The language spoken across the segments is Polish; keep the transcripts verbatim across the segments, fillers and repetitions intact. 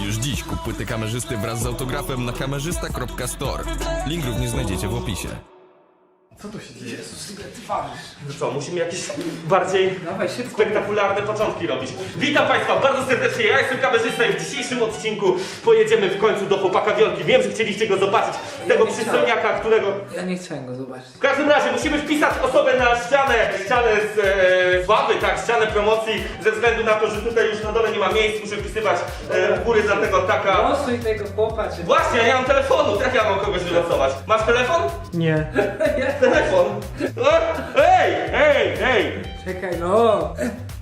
Już dziś kup płyty kamerzysty wraz z autografem na kamerzysta kropka store. Link również znajdziecie w opisie. Co tu się dzieje? Jezus, ile ty walisz? No co, musimy jakieś bardziej Dawaj, szybko. spektakularne początki robić. Witam Państwa bardzo serdecznie, ja jestem kamerzysta i w dzisiejszym odcinku pojedziemy w końcu do chłopaka Wiolki. Wiem, że chcieliście go zobaczyć, tego przystojniaka, którego... Ja nie chciałem go zobaczyć. W każdym razie musimy wpisać osobę na ścianę, ścianę z e, sławy, tak, ścianę promocji, ze względu na to, że tutaj już na dole nie ma miejsc, muszę wpisywać e, u góry, dlatego taka... Losuj tego chłopa, czy... Właśnie, ja nie mam telefonu, jak ja mam kogoś wylosować? Masz telefon? Nie. Telefon! O, ej, ej, ej! Czekaj, no.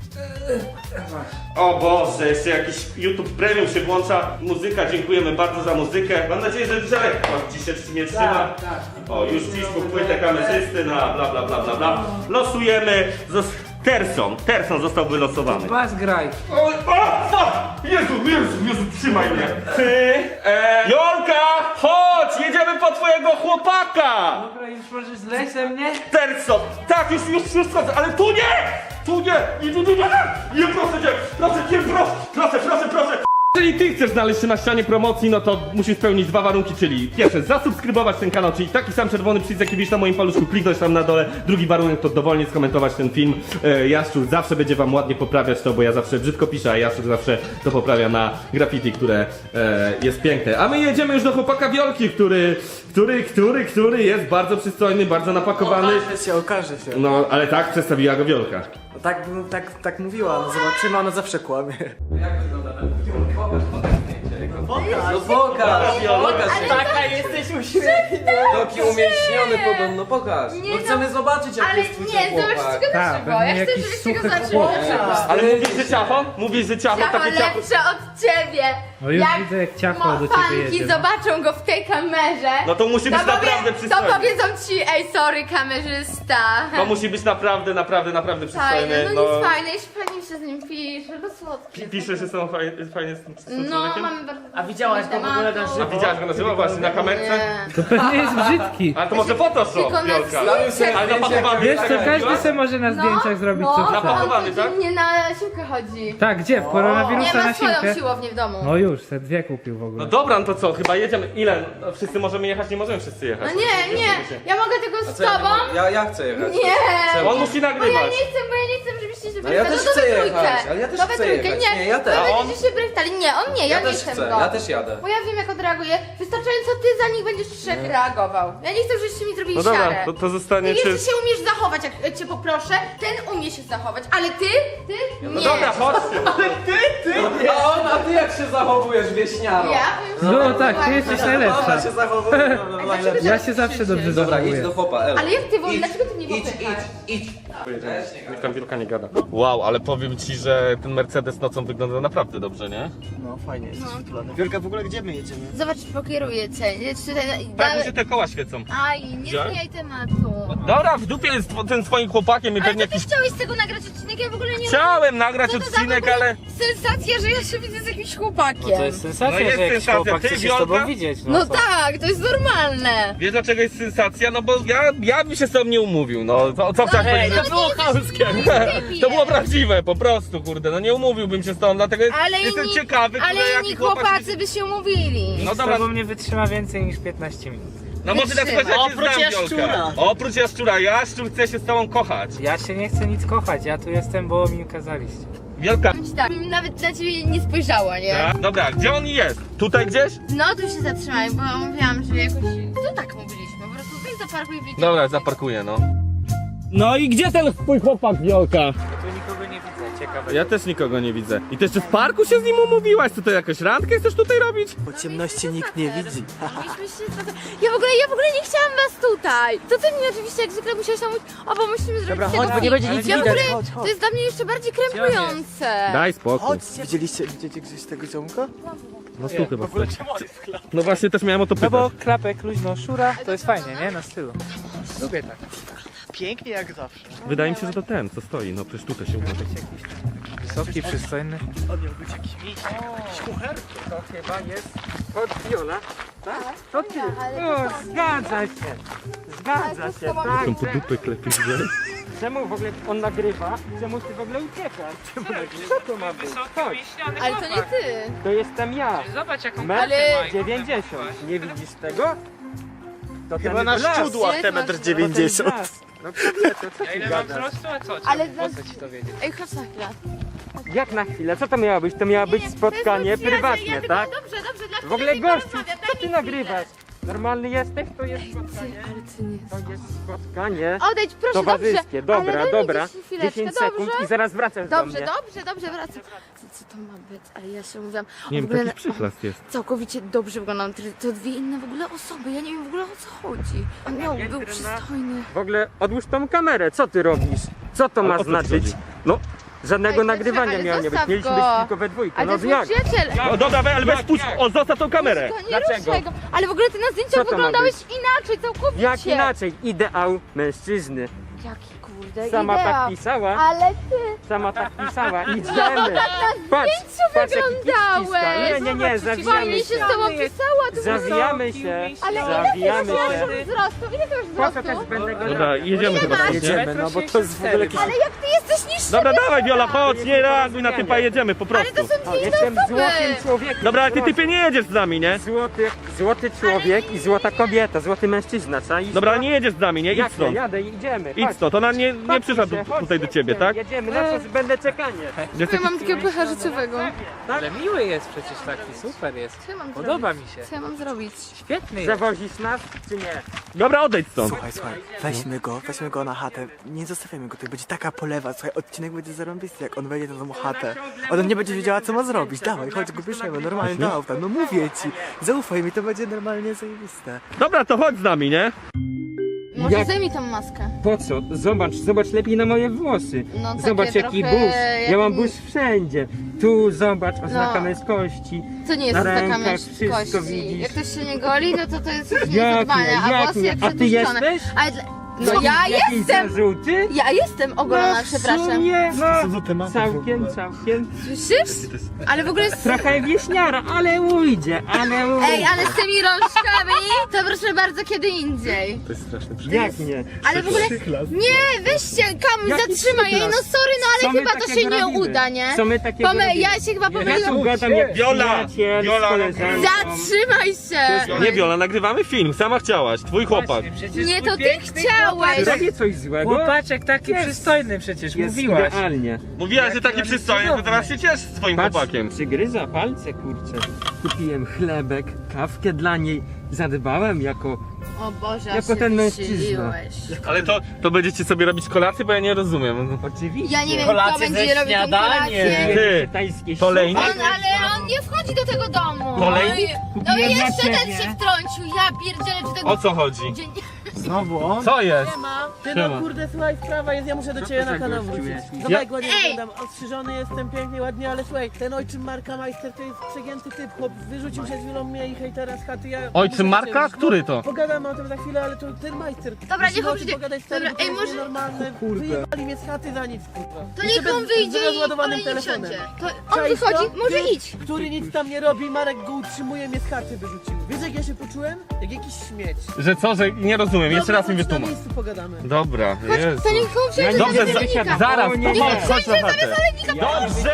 Masz. O Boże, jeszcze jakiś YouTube Premium się włącza. Muzyka, dziękujemy bardzo za muzykę. Mam nadzieję, że Żelek ci się nie trzyma. Tak, tak. O, już dziś kup płytę kamerzysty na bla bla bla bla bla. Losujemy. Zos Terson, Terson został wylosowany. Bas graj. O, o, fuck! Jezu, Jezu, Jezu, trzymaj mnie. Ty, e, Jolka, chodź, jedziemy po twojego chłopaka. Dobra, już możesz zleźć ze mnie? Terson, tak, już, już, już schodzę, ale tu nie! Tu nie! Nie, nie, nie, nie! Nie, proszę cię, proszę cię, proszę, proszę, proszę, proszę! Jeżeli ty chcesz znaleźć się na ścianie promocji, no to musisz spełnić dwa warunki, czyli pierwsze, zasubskrybować ten kanał, czyli taki sam czerwony przycisk, jaki widzisz na moim paluszku, kliknąć tam na dole. Drugi warunek to dowolnie skomentować ten film. E, Jaszczur zawsze będzie wam ładnie poprawiać to, bo ja zawsze brzydko piszę, a Jaszczur zawsze to poprawia na graffiti, które e, jest piękne. A my jedziemy już do chłopaka Wiolki, który, który, który, który jest bardzo przystojny, bardzo napakowany. Okaże się, okaże się. No, ale tak przedstawiła go Wiolka. No tak, bym- tak, tak mówiła, no zobaczymy, ona zawsze kłamie. Jak wygląda ten film? Pokaż, pokaż zdjęcie. No pokaż, pokaż. Taka jesteś uśmiechnięta. Taki umięśniony podobno, pokaż. Nie, No chcemy no, zobaczyć jak Ale jest twój nie, ten chłopak. zobaczcie go Tak, dlaczego. Ja pewnie chcę, jakiś żebyście go suchy zaczęli. chłopak. Ale mówisz, że ciacho? Mówisz, że ciacho, Ciacho takie ciacho. lepsze od ciebie. No już widzę, jak ciacho mo- do ciebie fanki jedzie, no. zobaczą go w tej kamerze. No to musi być to powie- naprawdę To przystojny. powiedzą ci, ej, sorry, kamerzysta. To musi być naprawdę, naprawdę, naprawdę Fajne, przystojny. no nic fajne, jeśli fajnie się z nim pisze, no słodkie. Pisze się są fajnie, fajnie z tym, z tym No, człowiekiem? mamy bardzo... A widziałaś go w ogóle na A żywo? widziałaś go na żywo właśnie na kamerce? Nie. To pewnie jest brzydki. A to może Photoshop, Tylko na Wiolka. zdjęciach. Ale napakowany Wiesz jest, co, tak jak każdy mówiłaś? se może na zdjęciach zrobić co no, chce. Napakowany, on tak? codziennie na siłkę chodzi. Tak, gdzie? W Nie koronawirusa ma na swoją siłkę? siłownię w domu. No już, se dwie kupił w ogóle. No dobra, no to co, chyba jedziemy. Ile? No, wszyscy możemy jechać? Nie możemy wszyscy jechać. No nie, nie, ja mogę tylko z tobą. Ja, ja chcę jechać. Nie! On musi Bo ja nagrywać. nie chcę, bo ja nie chcę, żebyście się No ja brali. też to chcę we jechać, trójkę. ale ja też To we chcę trójkę. jechać. Nie, Nie, ja też. To A on? będziecie się brali. Nie, on nie, ja, Ja nie też chcę chcę, go. ja też jadę. Bo ja wiem, jak odreaguje. Wystarczająco ty za nich będziesz trzech reagował. Ja nie chcę, żebyście mi zrobili No dobra, siarę. to, to zostanie Ty czy... jeszcze się umiesz zachować, jak cię poproszę. Ten umie się zachować, ale ty, ty nie. No dobra, chodźcie. A on, a ty jak się zachowujesz, wieśniaro? Ja? No tak, ty jesteś najlepsza. Ona się zachowuje, no, no, najlepiej. Ja się zawsze dobrze Dobra, idź zachowuję. do chłopa, Elo. Ale jak ty, bo Idź, dlaczego ty mnie idź, popychasz? idź, idź. Niech tam Wielka nie gada. Wow, ale powiem ci, że ten Mercedes nocą wygląda naprawdę dobrze, nie? No fajnie, jesteś wytulany. Wielka, w ogóle gdzie my jedziemy? Zobacz, pokieruję cię. Jedź tutaj. Tak mi się te koła świecą. Aj, nie Gdzie? zmieniaj tematu. Dobra, w dupie jest ten swoim chłopakiem i Ale pewnie to ty jakiś... chciałeś z tego nagrać odcinek, ja w ogóle nie Chciałem nagrać Co to za odcinek, w ogóle ale... sensacja, że ja się widzę z jakimś chłopakiem. No to jest sensacja, No jest że jakiś sensacja. chłopak Ty, chce się z Wiolka? tobą widzieć. No, No co? tak, to jest normalne. Wiesz dlaczego jest sensacja? No bo ja, ja bym się z tobą nie umówił, no. Co, co chciałeś Ej, powiedzieć? to było chamskie. To było prawdziwe, po prostu, kurde, no nie umówiłbym się z tobą, dlatego jest, Ale jestem inni, ciekawy, kurde, ale jaki inni chłopak... chłopacy by się umówili. No Z dobra, tobą nie wytrzyma więcej niż piętnaście minut. no może na przykład ja cię Oprócz znam, jaszczura. Wiolka. Oprócz jaszczura, jaszczur chce się z tobą kochać. Ja się nie chcę nic kochać, ja tu jestem, bo mi kazaliście. Wielka... Tak, nawet na ciebie nie spojrzała, nie? Tak? Dobra, gdzie on jest? Tutaj gdzieś? No tu się zatrzymaj, bo mówiłam, że jakoś... To tak mówiliśmy, po prostu tutaj zaparkuj w liczbie. Dobra, zaparkuję, no. No i gdzie ten twój chłopak, Wiolka? Tu nikogo nie widzę, ciekawe. Ja też nikogo nie widzę. I ty jeszcze w parku się z nim umówiłaś? Co to jakąś randkę chcesz tutaj robić? Po ciemności nikt nie widzi. Mieliśmy się spacer- Ja w ogóle, ja w ogóle nie chciałam was tutaj. To ty mnie oczywiście jak zwykle musiałeś tam mówić, o bo musimy zrobić Dobra, tego chodź, bo nie film. będzie nic Ja w widać. ogóle, Chodź, chodź. to jest dla mnie jeszcze bardziej krępujące. Daj spokój. Chodźcie. Widzieliście, widzicie gdzieś tego ziomka? No tu chyba. No właśnie też miałem o to No pytać. bo klapek, luźno, szura, to jest fajnie, nie? Na stylu. Lubię tak. Pięknie jak zawsze. Wydaje mi się, że to ten, co stoi. No przecież tutaj się uda. Wysoki, przystojny. On miał być jakiś miś, jakiś kucher. To chyba jest od Viola. Tak? To ty. Ale O, zgadza się. Zgadza się, tak. Tą po dupę klepić, że... Czemu w ogóle on nagrywa? Czemu ty w ogóle uciekasz? Czemu nagrywa? Co to ma być? Chodź, Ale to nie ty. to jestem ja. Zobacz jaką Metr Ale- dziewięćdziesiąt. Nie widzisz tego? To Chyba ten na blask. szczudłach Jest te masz- metr To ten dziewięćdziesiąt. blask. No kobieta, co Ja ty ile mam gadasz? wzrostu, a co? Ale Ale za- po co ci to wiedzieć? Ej, chodź na chwilę. Jak na chwilę? Co to miało być? To miało być spotkanie to jest prywatne, ja, tak? Dobrze, dobrze, dla W ogóle ciebie nie gościu, porozmawiam, co daj ty mi nagrywasz? Normalny jesteś? To jest spotkanie. chwilę. Ale ty nie. To jest spotkanie Odejdź, proszę, towarzyskie. dobrze. Dobra, ale daj mi dobra. dziesięć chwileczkę, dziesięć sekund dobrze? i zaraz wracasz do Dobrze, mnie. dobrze, dobrze, wracam. Co, co to ma być? Ale ja się mówiłam. Nie o, wiem, w ogóle taki przyklas jest. całkowicie dobrze wyglądam. To- To dwie inne w ogóle osoby. Ja nie wiem w ogóle o co chodzi. On miał, był przystojny. W ogóle odłóż tą kamerę, co ty robisz? Co to ma o co ci znaczyć? chodzi? No, żadnego Ej, nagrywania ale miało nie być. zostaw Mieliśmy go. być tylko we dwójkę. Ale No to jest mój jak? przyjaciel. O, dobra, we- ale weź puść, o, zostaw tą kamerę. To nie Dlaczego? ruszaj go. Ale w ogóle ty na Co zdjęciach to ma wyglądałeś inaczej, całkowicie. Jak inaczej? Ideał mężczyzny. Jaki kurde Sama idea. tak pisała. Ale ty. Sama tak pisała. No Idziemy. tak na Patrz, zdjęciu patrz jaki kit wyglądałeś. ściska. Nie, nie, nie, zawijamy Fajnie się się. z tobą pisała. Tu Zawijamy się. Ale ile Zawijamy ty masz się. wzrostu? Ile ty Po masz co też wzrostu? będę go Dobra, robił? jedziemy chyba. masz? nie? Jedziemy, no bo to jest w ogóle jakiś... Ale jak ty jesteś niższy? Dobra, dawaj Viola, chodź, nie reaguj na typa, jedziemy po Ale to prostu. są dwie inne Jestem osoby. złotym człowiekiem. Dobra, ale ty typie nie jedziesz z nami, nie? Złoty, złoty człowiek i złota kobieta, złoty mężczyzna, czaisz? Dobra, nie jedziesz z nami, nie? Idź Jak nie, stąd. jadę, idziemy. Idź chodź. stąd, ona nie, nie Chodźmy przyszła się, tu, chodź, tutaj do ciebie, jedziemy, tak? Jedziemy, na co będę czekanie. Jest Ja taki... mam takiego pecha życiowego. Ale miły jest przecież taki, super jest. Co ja mam Podoba zrobić? mi się. Co ja mam zrobić? Świetny jest. Zawozisz nas, czy nie? Dobra, odejdź stąd. Słuchaj, słuchaj, weźmy go, weźmy go na chatę. Nie zostawiamy go, to będzie taka polewa. Słuchaj, odcinek będzie zarąbisty, jak on wejdzie na tą chatę. Ona nie będzie wiedziała, co ma zrobić. Dawaj, chodź, go bierzemy, normalnie do auta. No mówię ci, zaufaj mi, to będzie normalnie zajebiste. Dobra, to chodź z nami, nie? Może Jak- zdejmij tą maskę. Po co? Zobacz, zobacz lepiej na moje włosy. No, takie Zobacz jaki trochę burz. jak- Ja mam burz wszędzie. Tu zobacz, oznaka No. męskości. To nie jest Na taka rękach wszystko męskości. widzisz. Jak ktoś się nie goli, no to to jest już Jak niezadbane. nie, A jak włosy nie? jak A ty przetłuszczone. jesteś? Ale dla... No ja Jakiś jestem! zarzuty? Ja jestem ogolona, No, w przepraszam. sumie, Co ty no, masz? całkiem, całkiem. Słyszysz? Ale w ogóle jest... Trochę wieśniara, ale ujdzie, ale ujdzie. Ej, ale z tymi rączkami to proszę bardzo kiedy indziej. Jak nie? Ale w ogóle... Nie, weźcie, kamuś Jaki zatrzymaj jej, no przyklas? sorry, no Co ale my chyba to się takiego nie robimy? uda, nie? Co my takiego Pome... robimy? Ja się chyba Ja tu pomyliłam. gadam jak Viola! przyjaciel Viola, z koleżanką. Zatrzymaj się! Nie Viola, nagrywamy film, sama chciałaś, twój chłopak. Przecież Nie, twój to ty piękny chciałeś! Robię coś złego? Chłopaczek taki Jest. przystojny przecież, Jest mówiłaś. idealnie. Mówiłaś, że taki przystojny, to teraz się ciesz swoim Patrz, chłopakiem. przygryza palce, kurczę. Kupiłem chlebek, kawkę dla niej. Zadbałem jako... O Boże, Jako aż się ten mężczyzna. wysiliłeś. Ale to, to będziecie sobie robić kolację, bo ja nie rozumiem. Oczywiście. Ja nie wiem, kto będzie robił tą kolację. Ty, Tajskie Kolejny? On, ale on nie wchodzi do tego domu. Kolejny? No i, no i Kupiłem jeszcze dla ten ciebie. się wtrącił. Ja pierdzielę, czy tego... O co chodzi? Dzień... Znowu on? Co jest? Ty Siema. no kurde, słuchaj, sprawa jest, ja muszę do ciebie to na za kanał gościu wrócić. jest? Zobacz, ładnie Ej! wyglądam, ostrzyżony jestem, pięknie, ładnie, ale słuchaj, ten ojczym Marka Majster to jest przegięty typ, chłop wyrzucił przed chwilą mnie i hejtera z chaty, ja... Ojczym muszę do Marka? ciebie- Który to? Pogadamy o tym za chwilę, ale to ten Majster. Dobra, Musimy niech on o tym przyjdzie. pogadać, stary, Dobra, bo to ej, jest może- nienormalne, wyjebali mnie z chaty za nic, kurwa. To Jeszcze niech on bez- wyjdzie z i rozładowanym on nie telefonem. wsiądzie. To on Czaisz wychodzi, to? może Ty, idź. Który nic tam nie robi, Marek go utrzymuje, mnie z chaty wyrzucił. Wiesz jak ja się poczułem? Jak jakiś śmieć. Że co, że nie rozumiem, jeszcze Dobra, raz mi chodź, na wytłumacz. miejscu pogadamy. Dobra, Jezu. To niech on wsiądzie Dobrze, do za, zalewnika. zaraz, O, nie, pomóc, nie. chodź na chatę. Dobrze!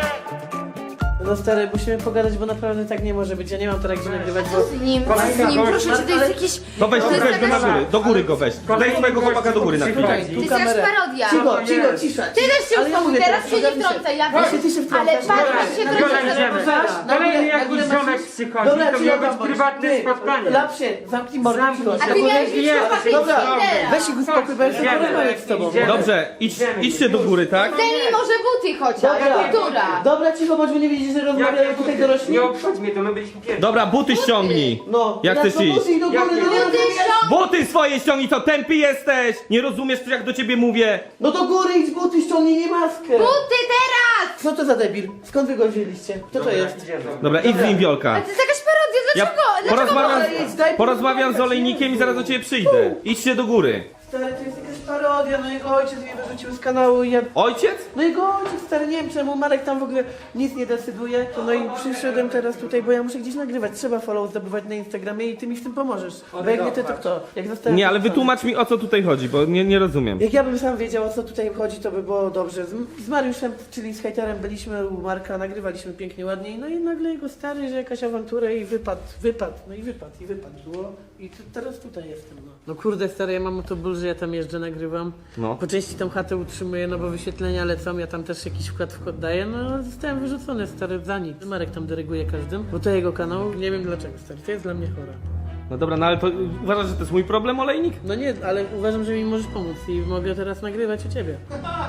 No stary, musimy pogadać, bo naprawdę tak nie może być. Ja nie mam teraz gdzie nagrywać, bo... Z nim, z nim, proszę cię, to jest jakiś... To weź, To jest weź go na jakaś- góry, do góry go weź. Weź swojego chłopaka do góry na chwilę. Słuchaj, To tu jest jakaś kamerę. parodia. Cicho, cicho, cisza. Ty też się Ale ja uspokój, mówię teraz się nie ogarnij wtrącaj, ja Właśnie wiem. ty się wtrącasz. Ale patrz, jak się Dobra, wtrącasz. idziemy. Zaraz, na Kolejny górę, na jakiś górę ziomek masz- przychodzi, Dobra, to ci miało ja być wam- prywatne ty, spotkanie. Lapsie, zamknij mordę, Zamknij cicho. się. A ty miałeś być Jest. chłopakiem Dobra, Tindera. weź ich uspokój, bo ja chcę Idziemy. porozmawiać z tobą. Idziemy. Dobrze, idź, idźcie do góry, tak? Zdejmij może buty chociaż, Dobra. kultura. Dobra, cicho, bądź, bo nie widzisz, że rozmawiają tutaj dorośli? Nie obchodź mnie, to my byliśmy pierwsi. Dobra, buty ściągnij. No, Jak chcesz to iść? musi do góry, Jak no, nie- nie Buty rozumiesz? ściągnij. Buty swoje ściągnij, co tępy jesteś? Nie rozumiesz, jak do ciebie mówię? No do góry idź buty, ściągnij nie maskę. Buty teraz! Co to za debil? Skąd wy go wzięliście? Kto to jest? Dobra, idź z nim Wiolka. Ale to jest jakaś parodia, Ja dlaczego? Dlaczego porozmawiam, Ale idź, daj porozmawiam z olejnikiem i zaraz do ciebie przyjdę. Idźcie do góry. Stary, to jest jakaś parodia, no jego ojciec mnie wyrzucił z kanału i ja... Ojciec? No jego ojciec, stary, nie wiem czemu, Marek tam w ogóle nic nie decyduje. No i przyszedłem teraz tutaj, bo ja muszę gdzieś nagrywać, trzeba follow zdobywać na Instagramie i ty mi w tym pomożesz. Bo jak nie ty, to kto? Jak zostałem Nie, ale wyrzucony. wytłumacz mi, o co tutaj chodzi, bo nie, nie rozumiem. Jak ja bym sam wiedział, o co tutaj chodzi, to by było dobrze. Z, z Mariuszem, czyli z hejterem, byliśmy u Marka, nagrywaliśmy pięknie, ładnie, no i nagle jego stary, że jakaś awantura i wypadł, wypadł, no i wypadł, i wypadł było. I tu, teraz tutaj jestem, no. No kurde, stary, ja mam o to ból, że ja tam jeżdżę, nagrywam. No. Po części tą chatę utrzymuję, no bo wyświetlenia lecą, ja tam też jakiś wkład wkład daję, no ale zostałem wyrzucony, stary, za nic. Marek tam dyryguje każdym, bo to jego kanał, nie wiem dlaczego, stary, to jest dla mnie chore. No dobra, no ale to uważasz, że to jest mój problem, olejnik? No nie, ale uważam, że mi możesz pomóc i mogę teraz nagrywać u ciebie.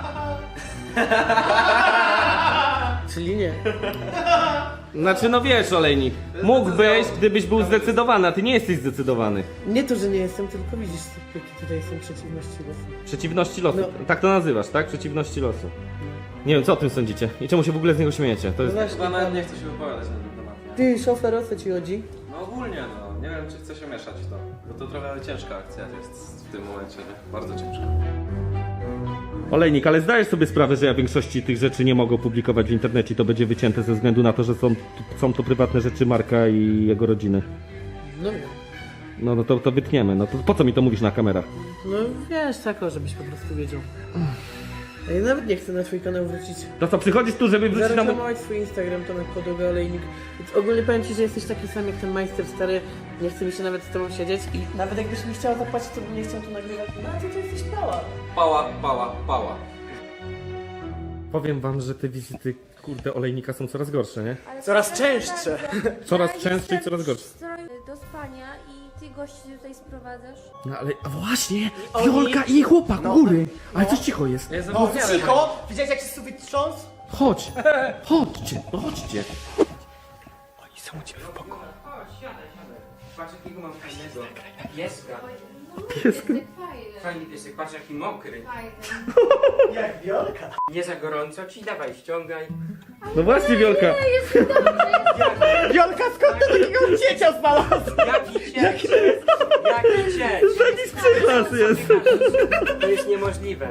Czyli nie. Znaczy, no wiesz, olejnik, mógłbyś, gdybyś był zdecydowany, a ty nie jesteś zdecydowany. Nie to, że nie jestem, tylko widzisz, jakie tutaj są przeciwności losu. Przeciwności losu. No. Tak to nazywasz, tak? Przeciwności losu. Nie wiem, co o tym sądzicie? I czemu się w ogóle z niego śmiejecie? To jest... No właśnie, Chyba nawet nie chcę się wypowiadać na ten temat, nie? ty, szofer, o co ci chodzi? No ogólnie, no. Nie wiem, czy chcę się mieszać w to. Bo to trochę ciężka akcja jest w tym momencie, nie? Bardzo ciężka. Olejnik, ale zdajesz sobie sprawę, że ja większości tych rzeczy nie mogę opublikować w internecie i to będzie wycięte ze względu na to, że są, są to prywatne rzeczy Marka i jego rodziny. No wiem. No, no to, to wytniemy. No to po co mi to mówisz na kamerach? No wiesz, tak, o, żebyś po prostu wiedział. A ja nawet nie chcę na twój kanał wrócić. To co, przychodzisz tu, żeby wrócić na mój... Zareklamować swój Instagram, Tomek Podłoga, Olejnik. Więc ogólnie powiem ci, że jesteś taki sam jak ten majster stary. Nie chce mi się nawet z tobą siedzieć i nawet jakbyś mi chciała zapłacić, to bym nie chciał tu nagrywać. No a ty to jesteś pała. Pała, pała, pała. Powiem wam, że te wizyty, kurde, olejnika są coraz gorsze, nie? Coraz częstsze. Coraz częstsze i coraz gorsze. Do spania i ty gości tutaj sprowadzasz. No ale a właśnie, oni- Wiolka i jej chłopak u góry. Ale coś cicho jest. Ja O, cicho! Widziałeś jak się sufit trząsł? Chodź, chodźcie, no chodźcie. Oni są u ciebie w pokoju. Patrz jakiego mam fajnego pieska. Fajny. Fajny piesek, patrz jaki mokry. Fajny. Jak Wiolka. Nie za gorąco ci, dawaj ściągaj. No właśnie, Wiolka. Wiolka, skąd ty takiego dziecia znalazł? Jaki cieć! Jaki cieć! Taki przyklas jest. To jest niemożliwe.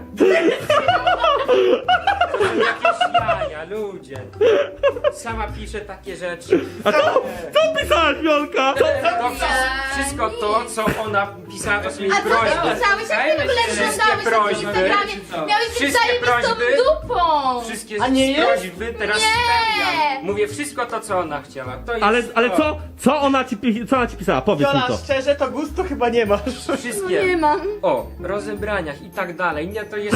To są jakieś jaja, ludzie. Sama pisze takie rzeczy. A co, co pisałaś, Wiolka? To wsz- wszystko to, co ona pisała, to są jej A co ty prośby. pisałeś? Jak ty w ogóle Wszystkie wyglądałeś na tym prośby. Instagramie? Miałeś być Wszystkie zajebistą prośby. dupą! Wszystkie A nie jest? prośby teraz Nie. spełniam. Mówię wszystko to, co ona chciała. To jest Ale, ale to. co, co ona ci, pi- co ona ci pisała? Powiedz mi Wiola, to. szczerze, to gustu chyba nie masz. Wszystkie. Nie mam. O, rozebraniach i tak dalej. Nie, to jest...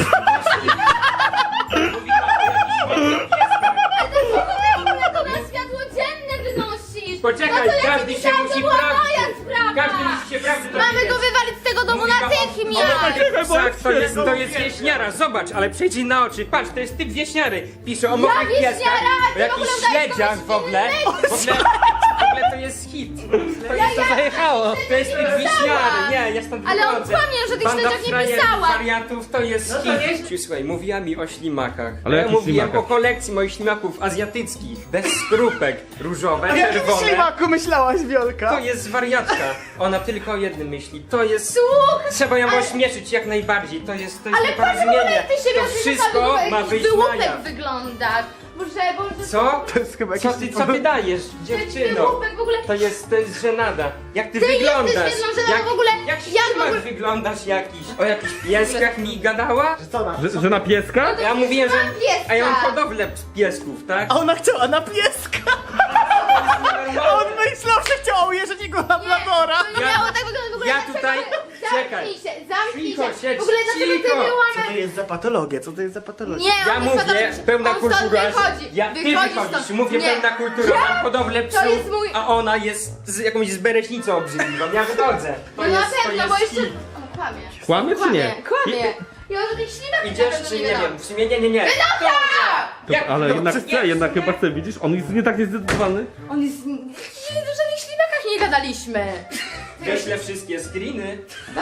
To na światło dzienne wynosisz! Poczekaj, no to ja każdy ci się pisałam, musi to była prawdy- moja sprawa! Każdy musi się prawdy Mamy dowiedzieć. go wywalić z tego domu Mówi wam o- natychmiast! Czekaj, bo Tak, to jest, to jest świetno. wieśniara, zobacz, ale przejdź jej na oczy, patrz, to jest typ wieśniary. Pisze o mokrych wieśniara? pieskach, o Ty w jakichś ogóle udajesz śledziach kogoś w ogóle. W ogóle, w ogóle to jest hit. To jest to zajechało. To jest typ wieśniary, nie, ja stąd Ale on wychodzę. kłamie, że tych Banda śledziach nie frajerów, pisała. wariatów, to jest hit. Słuchaj, mówiła mi o ślimakach. Ale ja jakich mówiłem ślimakach? o kolekcji moich ślimaków azjatyckich, bez skrupek, różowe, A jakim czerwone. ślimaku myślałaś, Wiolka? To jest wariatka. Ona tylko o jednym myśli. To jest... Słuchaj, Trzeba ją ale- ośmieszyć jak najbardziej. To jest, to jest Ale patrz w ogóle nieporozumienie. jak ty się To wszystko ma wyjść na wyłupek jaw. wyglądasz. Boże, Boże, Co? To jest chyba Co jakiś... ty, co ty dajesz, dziewczyno? wyłupek w ogóle. To jest, to jest żenada. Jak ty, Ty wyglądasz? jesteś jedną żenadą jak, w ogóle. Jak Ja w ślimak ogóle- wyglądasz jakiś? O jakichś pieskach mi gadała? Co ona? Że, że na pieska? Ja mówiłem, że... mam pieska. A ja mam hodowlę piesków, tak? A ona chciała na pieska! A on myślał, że chciał ujeżdżać jego labradora! To nie Ja- miało tak wyglądać w ogóle. ja dlaczego- tutaj- Zamknij czekaj. się, zamknij Cicho, się. siedź, W ogóle dlaczego ty cicho. Co wyłamać? to jest za patologia? Co to jest za patologia? Nie, Ja on mówię, jest pełna on stąd kultura. wychodzi. Ja, ty Wychodzi wychodzisz, stąd. mówię Nie. pełna kultura, mam hodowlę psów, jest mój- a ona jest z jakąś zbereśnicą obrzydliwą. Ja wychodzę. To No jest, na to pewno, jest bo jeszcze... hit. O, kłamie. Kłamie czy nie? Kłamie. Ja o tych ślimakach Idziesz na pewno czy nie gadałam. wiem, w sumie nie, nie, nie. To, Jak- ale no, jednak nie, chce, jednak w sumie- chyba chce, widzisz? On jest nie tak niezdecydowany. On jest... Dzisiaj o żadnych ślimakach nie gadaliśmy. Wyślę wszystkie screeny.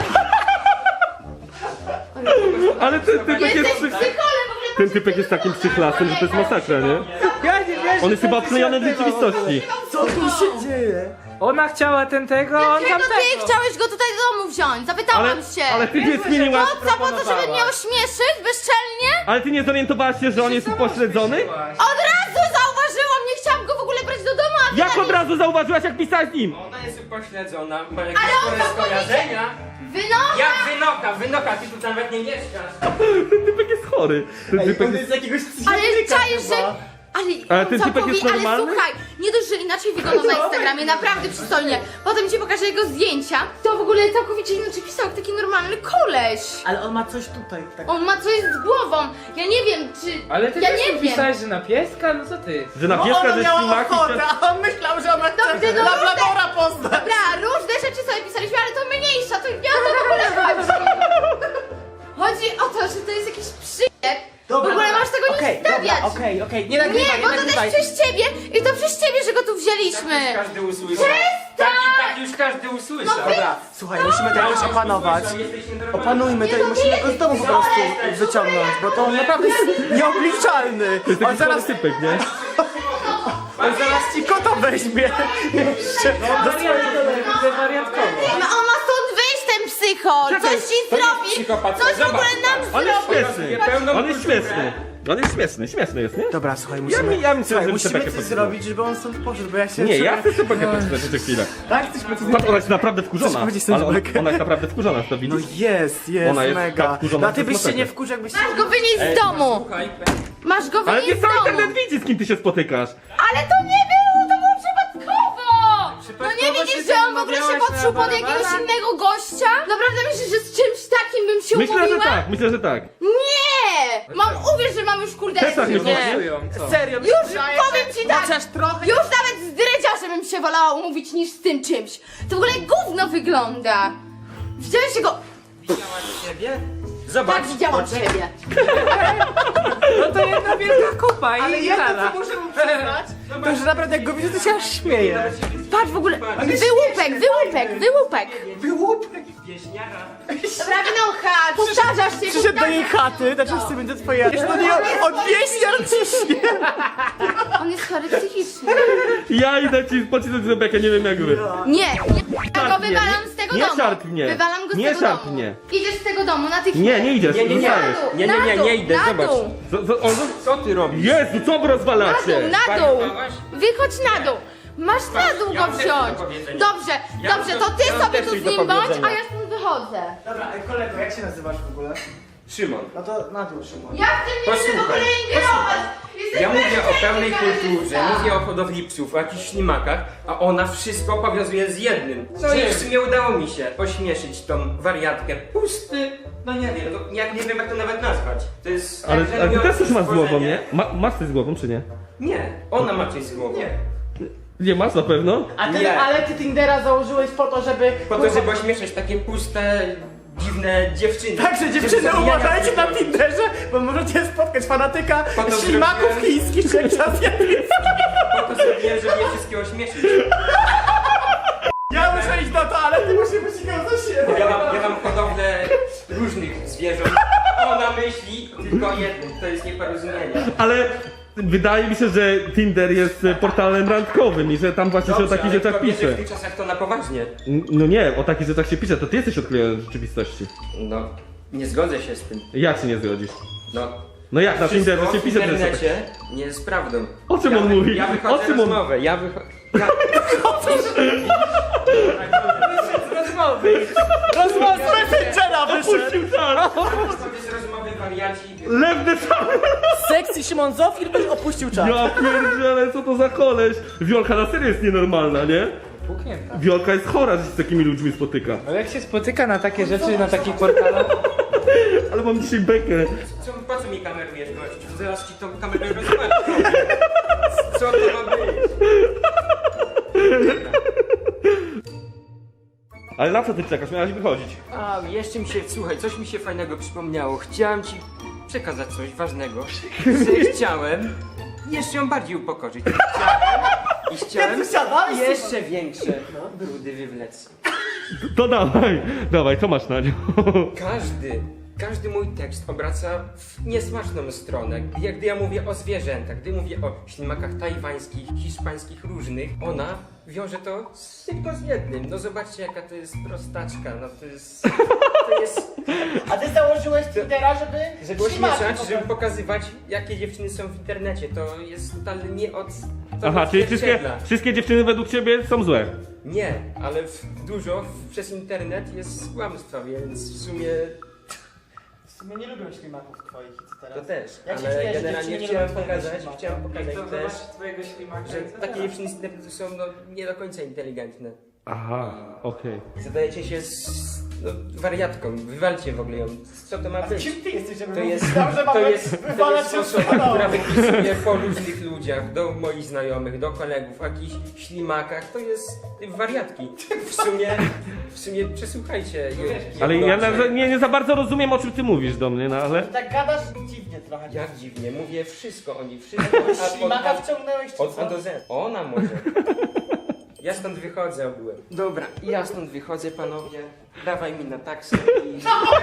Ale ten typek Jesteś jest, psycholem przy... w ogóle. ten typek jest takim przychlasem, że to jest masakra, nie? On jest chyba odklejony w rzeczywistości. Co tu się dzieje? Ona chciała ten tego, a on Dlaczego tam ty tego. chciałeś go tutaj do domu wziąć? Zapytałam Ale, się. ale ty nie zmieniłaś... Po co? Po to, żeby mnie ośmieszyć bezczelnie? Ale ty nie zorientowałaś się, że on jest upośledzony? Od razu zauważyłam, nie chciałam go w ogóle brać do domu, a ty Jak nagle- od razu zauważyłaś, jak pisałaś z nim? Ona jest upośledzona, ma jakieś Ale on chore to skojarzenia. Wynocha! Jak wynoka, wynoka, ty tu nawet nie mieszkasz. Ten typek jest chory. Ten Ej, typek on jest... jest jakiegoś Ale psychiatryka czaisz, że... chyba. Ale, Ale ten typek jest ale normalny? słuchaj, nie dość, że inaczej wygląda na Instagramie, naprawdę przystojnie. Potem ci pokażę jego zdjęcia. To w ogóle całkowicie inaczej pisał, jak taki normalny koleś. Ale on ma coś tutaj, tak. On ma coś z głową. Ja nie wiem, czy... Ale ty ja też nie mi wiem. pisałeś, że na pieska? No co ty? Że na No pieska, ona że miała ślimaki... ochotę, a on myślał, że ona Dobrze, chce no labradora poznać. Dobra, różne rzeczy sobie pisaliśmy, ale to mniejsza, to nie o to w ogóle chodzi. Chodzi o to, że to jest jakiś przyjeb. W ogóle masz tego Okej, nie stawiać. dobra, okej, okej, nie Nie, nagrywaj, bo nie to nagrywaj. też przez ciebie i to przez ciebie, że go tu wzięliśmy. Tak każdy usłyszał. Tak i tak już każdy usłyszał. Dobra, słuchaj, musimy to jakoś opanować. Jesteś nienormalny. Opanujmy to i musimy go z domu po prostu wyciągnąć, bo to on naprawdę jest nieobliczalny. To jest On taki zaraz, chory typek, nie? on zaraz ci kota weźmie. Jeszcze. To wariatkowo. No on ma stąd wyjść, ten psycho! Coś ci zrobi! psychopata. Coś w ogóle Zobacz. nam On jest zrobi! śmieszny. Pełną On jest kulturę. śmieszny. On jest śmieszny, śmieszny jest, nie? Dobra, słuchaj, Ja musimy, mi- ja bym chciał, słuchaj, żeby musimy Tepekę coś podsuwał. zrobić, żeby on stąd poszedł, bo ja się... Nie, ja chcę sobie poczekać jeszcze chwilę. Tak, chcesz powiedzieć? Patrz, ona jest naprawdę wkurzona. Chcesz powiedzieć coś, Ale ona, Bekę? ona jest naprawdę wkurzona, to No widzisz? jest, jest, Ona jest mega. tak wkurzona, No a ty że byś jest się nie masakra. wkurzył, jakbyś... Masz go wynieść z domu! Słuchaj, Masz go Ale nie wynieść z cały domu! internet widzi, z kim ty się spotykasz. Ale to nie było, to było przypadkowo! No nie Przypadkowo widzisz, się że on w ogóle się umawiałaś podszył na pod jakiegoś Barbara? innego gościa? Naprawdę myślisz, że z czymś takim bym się Myślę, że umówiła? tak, myślę, że tak. Nie! Mam, uwierz, że mam już kurde... Też tak myślisz, Nie. nie? Serio, Już powiem ci tak! chociaż trochę... Już nawet z dredziarzem bym się wolała umówić niż z tym czymś. To w ogóle gówno wygląda. Widziałeś jego... widziałaś siebie? Zobacz. Tak, widziałam ciebie. No to jedna wielka kupa i Ale ja to, gitara. co muszę mu przyznać, to że naprawdę jak go widzę, to się aż śmieję. Patrz w ogóle... Wyłupek, wyłupek, wyłupek. Wyłupek. Wieśniara. Dobra, wynocha, powtarzasz się, Przyszedł do powtarzasz. jej chaty, znaczy w sumie do twojej... No nie, od wieśniar ciśnie. On jest chory psychicznie. Ja idę ci pocisnąć Rebekę, nie wiem jak wy. Nie, nie, ja go Szarp mnie, wywalam z tego nie domu. szarp mnie. Wywalam go z Nie tego szarp domu. mnie. Idziesz z tego domu natychmiast. Nie, nie idziesz, Nie, nie, nie. zostajesz. Nie, nie, nie, Na dół, nie idę, na zobacz. dół. Co, co, on, Co ty robisz? Jezu, co wy Na dół, rozwalacie? na dół. Wariowałaś? Wychodź na dół. Masz na dół ja go mam też wziąć. do powiedzenia. Dobrze, Ja dobrze, mam to ty też- ja mam sobie też tu coś z do nim bądź, powiedzenia. a ja stąd wychodzę. Dobra, ej, kolego, jak się nazywasz w ogóle? Szymon. No to na dół, Szymon. Ja w tym nie chcę w ogóle Posłuchaj, ingerować. Jesteś Ja mówię o bezczelny, pełnej kulturze, kamerzysta. mówię o hodowli psów, o jakichś ślimakach, a ona wszystko powiązuje z jednym. No i w sumie udało mi się ośmieszyć tą wariatkę. Pusty, no nie wiem, no, jak, nie wiem jak to nawet nazwać. To jest... Ale, jak ale ty też coś masz z stworzenie. głową, nie? Ma, masz coś z głową, czy nie? Nie, ona ma coś z głową. Nie. Nie masz na pewno? A ty, Nie. ale ty Tindera założyłeś po to, żeby... Po to, żeby ośmieszać takie puste, dziwne dziewczyny. Także Żeby dziewczyny, zabijania uważajcie na tylko- Tinderze, bo możecie spotkać fanatyka Po to ślimaków zrobiłem- chińskich czy azjatyckich. Po to zrobiłem, żeby je wszystkie ośmieszyć. Ja muszę iść do toalety, muszę być go za siebie. Ja mam, ja mam hodowlę różnych zwierząt. Ona myśli tylko o jednym, to jest nieporozumienie. Ale wydaje mi się, że Tinder jest e, portalem randkowym i że tam właśnie się o takich ale rzeczach kobiety pisze. w tych czasach to na poważnie. N- No nie, o takich rzeczach się pisze, to ty jesteś odklejony od rzeczywistości. No, nie zgodzę się z tym. Jak się nie zgodzisz? No, No jak na wszystko Tinderze się w pisze te rzeczy? internecie nie jest prawdą. O czym ja, on mówi? Ja wychodzę O czym on- rozmowę, ja wychodzę... Ja... Rozmowy. Rozmowa z Messengera wyszedł. Puścił czar! sobie z rozmowy wariaci... Lewny czar! Sexy Szymon Zofir byś opuścił czas. Ja pierdzielę, co to za koleś? Wiolka na serio jest nienormalna, nie? Puknięta. Wiolka jest chora, że się z takimi ludźmi spotyka. Ale jak się spotyka na takie rzeczy, na takich portalach, Ale mam dzisiaj bekę. Co, po co mi kamerujesz, gościu? Zaraz ci tą kamerę rozmawiam. Co to ma być? Ale na co ty czekasz? Miałaś wychodzić. A, jeszcze mi się, słuchaj, coś mi się fajnego przypomniało. Chciałem ci przekazać coś ważnego. Że chciałem jeszcze ją bardziej upokorzyć. Chciałem i chciałem jeszcze większe brudy wywlec. To dawaj, dawaj, co masz na nią? Każdy, każdy mój tekst obraca w niesmaczną stronę. Jak gdy ja mówię o zwierzętach, gdy mówię o ślimakach tajwańskich, hiszpańskich, różnych, ona wiąże to z, tylko z jednym. No zobaczcie, jaka to jest prostaczka, no to jest... To jest... A ty założyłeś Twittera, żeby... Żeby ośmieszać, żeby pokazywać, jakie dziewczyny są w internecie. To jest totalnie nie od... to Aha, czyli wszystkie, odzwierciedla. wszystkie dziewczyny według ciebie są złe. Nie, ale w, dużo w, przez internet jest kłamstwa, więc w sumie W sumie nie lubią ślimaków twoich i co teraz? to też. Jak się Ale czujesz, że generalnie dziewczyny nie chciałem lubią twojego pokazać, ślimaka? chciałem pokazać To też, zobacz twojego ślimaka. że i co takie teraz? dziewczyny z internetu są no, nie do końca inteligentne. Aha, okej. Zadajecie się z no, wariatką, wywalcie w ogóle ją. Co to ma być? Kim ty jesteś, żeby To jest, myślał, że to mamy jest, to wywalać jest się osoba, z kanału? która wypisuje po różnych ludziach, do moich znajomych, do kolegów, o jakichś ślimakach, to jest wariatki. W sumie, w sumie przesłuchajcie. je- Ale je ja dobrze. na, nie, nie za bardzo rozumiem, o czym ty mówisz do mnie, no ale... Tak gadasz dziwnie trochę. Jak dziwnie, mówię wszystko o nich, wszystko od, Ślimaka od, wciągnąłeś czy od, co? od do Z. Ona może. Ja stąd wychodzę ogółem. Dobra, ja stąd wychodzę, panowie. Dawaj mi na taksę i...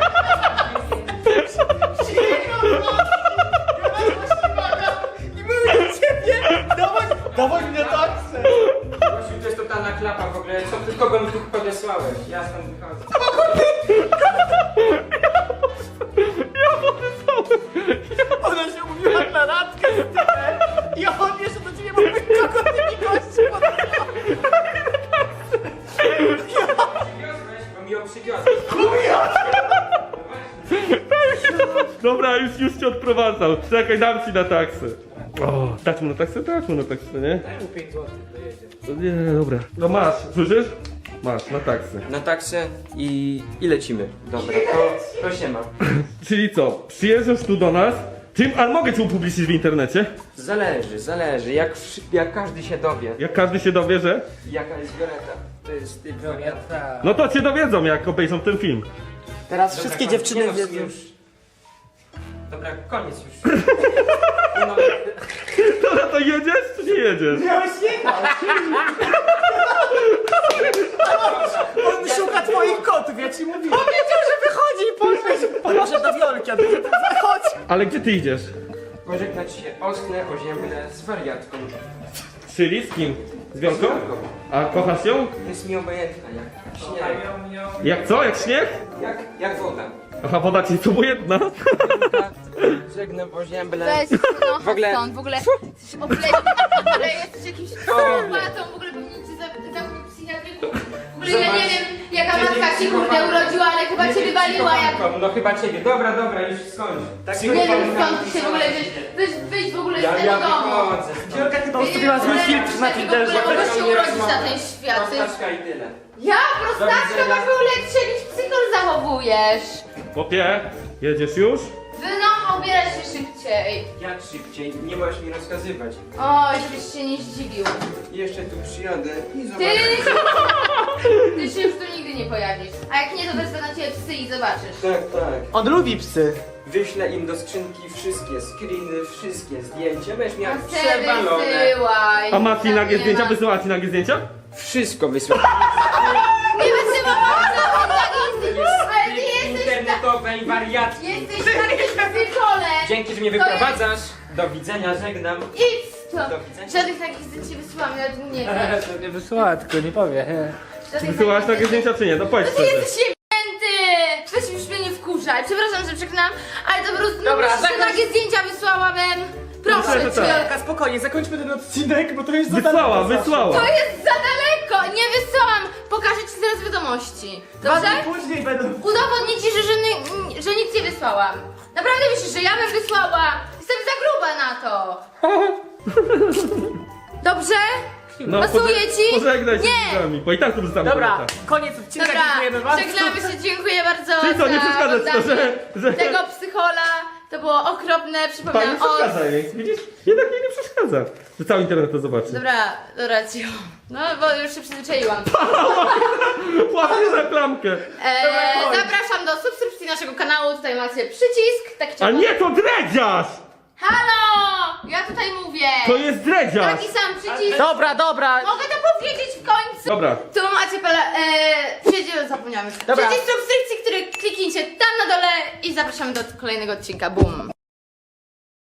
Dawaj mnie taksę! Gościu, to jest totalna klapa w ogóle. Co ty, kogo mi tu podesłałeś? Ja stąd wychodzę. Ona się umówiła na randkę z typem i on jeszcze do ciebie mówi, kogo ty mi gości Przywiozłeś, bo mi ją przywiozłeś. Dobra, już, już cię odprowadzał. Czekaj, dam ci na taksę. O, dać mu na taksę? Dać mu na taksę, nie? pięć złotych dojedzie. No nie, dobra. No masz, słyszysz? Masz, na taksę. Na taksę i, i lecimy. Dobra, to, to się ma. Czyli co, przyjeżdżasz tu do nas? Tym, ale mogę cię upublicznić w internecie? Zależy, zależy. Jak, wszy- jak każdy się dowie, Jak każdy się dowie, że? jaka jest Violeta. To jest typ wariata. No to cię dowiedzą, jak obejrzą ten film. Teraz Dobra, wszystkie koniec. dziewczyny Nie no, w sumie wiedzą. już. Dobra, koniec już. Nie no, Dobra, to jedziesz czy nie jedziesz? Miałeś jechać! On szuka twoich kotów, ja ci mówię. Powiedział, że wychodzi i poszedł. Poszedł do Wiolki, a ty zachodź. Ale gdzie ty idziesz? pożegnać się ostne, oziębne z wariatką. Czyli z kim? Z Wiolką? A kochasz ją? Jest mi obojętna jak śnieg. Jak co? Jak śnieg? Jak, jak woda. Aha, woda ci to jedna. Żegnam oziębne. Weź, no, W ogóle- stąd, w ogóle jesteś obleciał, w ogóle jesteś jakimś psychopatą, w ogóle powinien cię za- zamknąć w psychiatryku. W ogóle ja nie wiem, jaka matka ci kurde urodziła, ale chyba cię wywaliła jak... No chyba ciebie. Dobra, dobra, już skończ. Tak Nie wiem skąd ty się w ogóle wyjść, wyjść, wyjść w ogóle Ja, z tego ja domu. wychodzę. Wiolka chyba ustawiła zły filtr na Tinderze. W ogóle mogę się urodzić na ten świat. to jest- Prostaczka i tyle. Ja, prostaczka, masz w ogóle jak się jakiś psychol zachowujesz. Chłopie, jedziesz już? Wy no, obieraj się szybciej. Jak szybciej, nie możesz mi rozkazywać. Oj, żebyś się nie zdziwił. Jeszcze tu przyjadę i Ty, zobaczę. ty się już tu nigdy nie pojawisz. A jak nie, to wezmę na ciebie psy i zobaczysz. Tak, tak. On lubi psy. Wyślę im do skrzynki wszystkie screeny, wszystkie zdjęcia. Będziesz miał No se przewalone. wysyłaj. A ma ci Tam nagie nie zdjęcia? ma- Wysyła ci nagie zdjęcia? Wszystko wysłałem. Nie wysyłałam nawet takich zdjęć, ale ty jesteś ta... Internetowej wariatki. Jesteś takim psycholem. Dzięki, że mnie To jest- wyprowadzasz. Do widzenia, żegnam. Idź to. Do widzenia. Żadnych takich zdjęć nie wysyłam, nawet nie wiem. To nie wysłała, tylko nie powie. Żadnych Wysyłałaś takich nagie zdjęcia czy nie? No powiedz No ty szczerze. jesteś jebnięty! Weź już mnie nie wkurzaj. Przepraszam, że przeklinam, ale to po prostu Dobra, no, zakończ- takie zdjęcia wysłałabym. Myślę, Proszę że cię. tak. Wiolka, spokojnie, zakończmy ten odcinek, bo to jest za Wysłała, daleko zawsze. wysłała. To jest za daleko! Nie wysyłam! Pokażę ci zaraz wiadomości. Dwa Dobrze? dni później będą... Udowodnię ci, że, że, nie- że nic nie wysłałam. Naprawdę myślisz, że ja bym wysłała? Jestem za gruba na to. Dobrze? No, Pasuje poże- ci? Pożegnaj się Nie. z nami, bo i tak tu zostamy. Dobra, koniec odcinka, Dobra, dziękujemy bardzo. żegnamy się, dziękuję bardzo Czyli co, nie za przeszkadza ci to, oglądanie że- że- tego psychola. To było okropne, Pani przypominam nie o... przeszkadza jej, widzisz? Jednak jej nie przeszkadza, że cały internet to zobaczy. Dobra, dobra, cicho. No, bo już się przyzwyczaiłam. Łapie za klamkę. Eee, zapraszam do subskrypcji naszego kanału, tutaj macie przycisk. Taki A czerwony. nie, to dredziarz! Halo! Ja tutaj mówię. To jest dredziarz! Taki sam przycisk. Dobra, dobra. Mogę to powiedzieć w końcu? Dobra. Tu macie pele... Eee, przyjdzie, zapomniałem. Dobra. Przycisk subskrypcji, który kliknijcie tam na dole i zapraszamy do kolejnego odcinka. Bum!